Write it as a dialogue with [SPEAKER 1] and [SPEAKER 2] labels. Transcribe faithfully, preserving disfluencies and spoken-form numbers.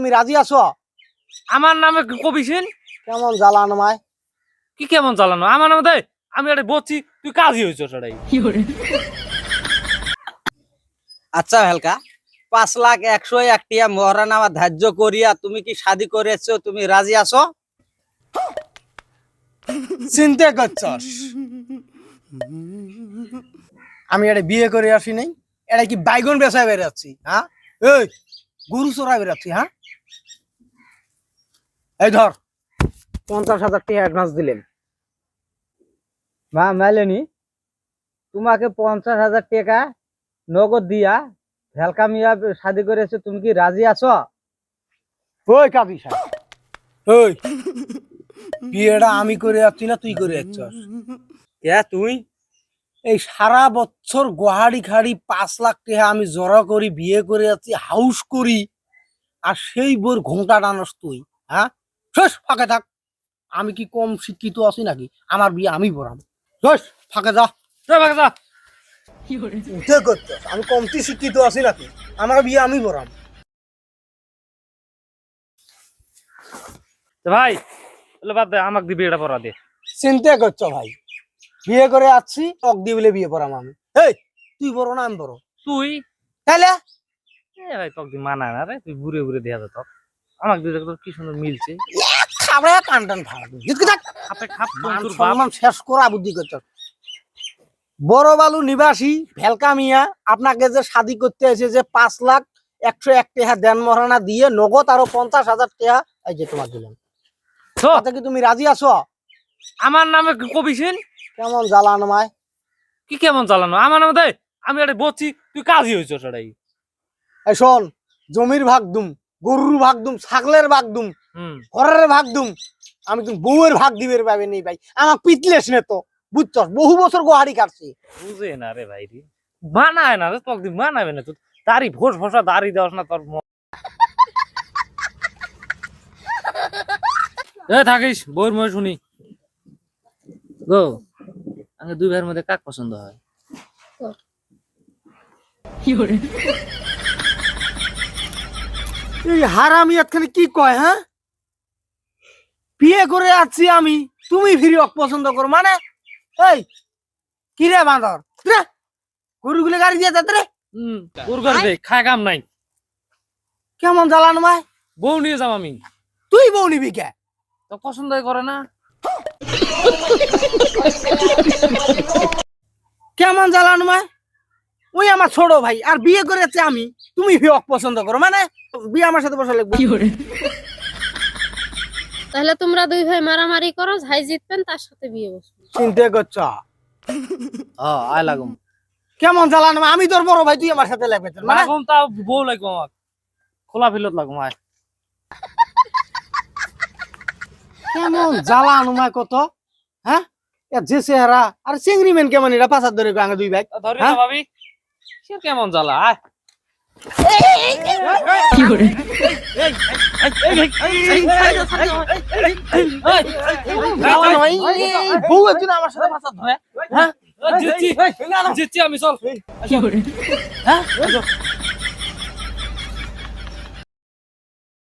[SPEAKER 1] তুমি রাজি আছো?
[SPEAKER 2] আমার নামে কবিসিন
[SPEAKER 1] কেমন জ্বালানো মায়?
[SPEAKER 2] কি কেমন চালানো আমার নামে দেয়? আমি একটা বলছি তুই কাজই হয়েছ সেটাই।
[SPEAKER 3] আচ্ছা হালকা, পাঁচ লাখ একশো একটিয়া মহারানামা ধার্য করিয়া তুমি কি শাদি করেছো? তুমি রাজি আছো?
[SPEAKER 1] চিন্তা করছস আমি এটা বিয়ে করে আসি নাই? এটা কি বাইগন বেচায় বেরাচ্ছি? হ্যাঁ, এই গরু চড়াই বেরাচ্ছি? হ্যাঁ, এই ধর পঞ্চাশ হাজার টাকা অ্যাডভান্স দিলেন।
[SPEAKER 3] মা মেলেনি তোমাকে পঞ্চাশ হাজার টাকা নগদ দিয়া ভেলকা মিয়া শাদি করেছো, তুমি কি রাজি আছো?
[SPEAKER 1] ওই কাজী সাহেব, ওই বিয়েটা আমি করে যাচ্ছি না তুই করে যাচ্ছস?
[SPEAKER 3] কে তুই?
[SPEAKER 1] এই সারা বছর গোহাড়ি খাড়ি পাঁচ লাখ টাকা আমি জড়া করি বিয়ে করে যাচ্ছি, হাউস করি, আর সেই বোর ঘোমটা টানস তুই? হ্যাঁ, শেষ ফাঁকে থাক। আমি কি কম শিক্ষিত আছি নাকি? আমার বিয়ে আমি পড়াম। শেষ ফাঁকে যা।
[SPEAKER 2] যা ভাগ যা।
[SPEAKER 1] উঠে করতে আমি কমতি শিক্ষিত আছি নাকি? আমার বিয়ে আমি পড়াম।
[SPEAKER 2] তো ভাই তাহলে বাদ দে, আমাকে দিবি এটা পড়া দে।
[SPEAKER 1] চিন্তা করছো ভাই? বিয়ে করে আসছি টক দিয়ে বলে বিয়ে পড়াম আমি? এই তুই বড় না আমি বড়?
[SPEAKER 2] তুই
[SPEAKER 1] তাহলে
[SPEAKER 2] এ ভাই তোকে মানায় না রে, তুই ঘুরে ঘুরে দেয়া যা। তোর আমাকে দিয়ে তোর কি সুন্দর মিলছে।
[SPEAKER 1] খাবে টান টান ভাড়া জিতকে থাক।
[SPEAKER 2] খাপে খাপ
[SPEAKER 1] মান
[SPEAKER 2] তোর বাপ।
[SPEAKER 1] সম্মান শেষ করা বুদ্ধি করছো। বড় বালু নিবাসী ভেলকা মিয়া আপনাকে যে শাদি করতে এসে যে পাঁচ লাখ একশো এক টাকা দেন মহারানা দিয়ে নগদ আরো পঞ্চাশ হাজার টাকা এই যে তোমার দিলাম,
[SPEAKER 2] তো
[SPEAKER 1] তাতে কি তুমি রাজি আছো?
[SPEAKER 2] আমার নামে কবিসিন
[SPEAKER 1] কেমন জ্বালানো মায়?
[SPEAKER 2] কি কেমন চালানো আমার নামে দেয়? আমি একটা বলছি তুই কাজই হয়েছ সেটাই।
[SPEAKER 1] এই শোন, জমির ভাগ দুম, গরুর ভাগ দুম, ছাগলের ভাগ দুম,
[SPEAKER 2] হম
[SPEAKER 1] ঘরের ভাগ দুম, আমি তুমি বউয়ের ভাগ দিবের পাবে নেই ভাই। আমার পিতলেস নে তো, বুঝছস? বহু বছর গোহাড়ি কাটছি।
[SPEAKER 2] বুঝে না রে ভাই রে, মানায় না রে, তোকে মানাবে না। তুই দাড়ি ভোস ভোসা দাড়ি দেওয়াস না তোর। এ থাকিস বউর মনে শুনি গো। আমি দুই ভাইয়ের মধ্যে কাক পছন্দ হয়?
[SPEAKER 1] এই হারামি এখানে কি কয়? হ্যাঁ, বিয়ে করে আসছি আমি, তুমি ফিরি পছন্দ করো মানে? এই কি রে বাঁদর রে, গরুগুলো গাড়ি দিয়ে যাতে রে।
[SPEAKER 2] হম তোর ঘরে দে, খায় কাম নাই।
[SPEAKER 1] কেমন জ্বালানো মায়?
[SPEAKER 2] বউ নিয়ে যাম আমি।
[SPEAKER 1] তুই বউ নিবি কে?
[SPEAKER 2] তো পছন্দই করে না।
[SPEAKER 1] কেমন জ্বালানো মায়? ওই আমার ছোট ভাই, আর বিয়ে করে যাচ্ছি আমি, তুমি ফিরি পছন্দ করো মানে? বিয়ে আমার সাথে বসা লাগবে।
[SPEAKER 4] তাহলে তোমরা দুই ভাই মারামারি করো, যাই জিতবেন তার সাথে বিয়ে বসবে।
[SPEAKER 1] চিন্তা করছ?
[SPEAKER 2] হ্যাঁ আয় লাগুম।
[SPEAKER 1] কেমন জ্বালানো মায়? আমি তোর বড় ভাই, তুই আমার সাথে লাগবে মানে?
[SPEAKER 2] লাগুম তাও বউ লাগবো আমার, খোলা ফিলত লাগুম। আয়
[SPEAKER 1] কেমন জ্বালানো মায় কত? হ্যাঁ, যে চেহারা আর চিংড়ি মেন কেমন এটা পাশার ধরে আগে দুই ভাই।
[SPEAKER 2] ধরি না ভাবি, সে কেমন জ্বালা। আয়
[SPEAKER 1] বউ একদিন আমার সাথে পাশার ধরে। হ্যাঁ
[SPEAKER 2] জিতছি জিতছি আমি, চল। হ্যাঁ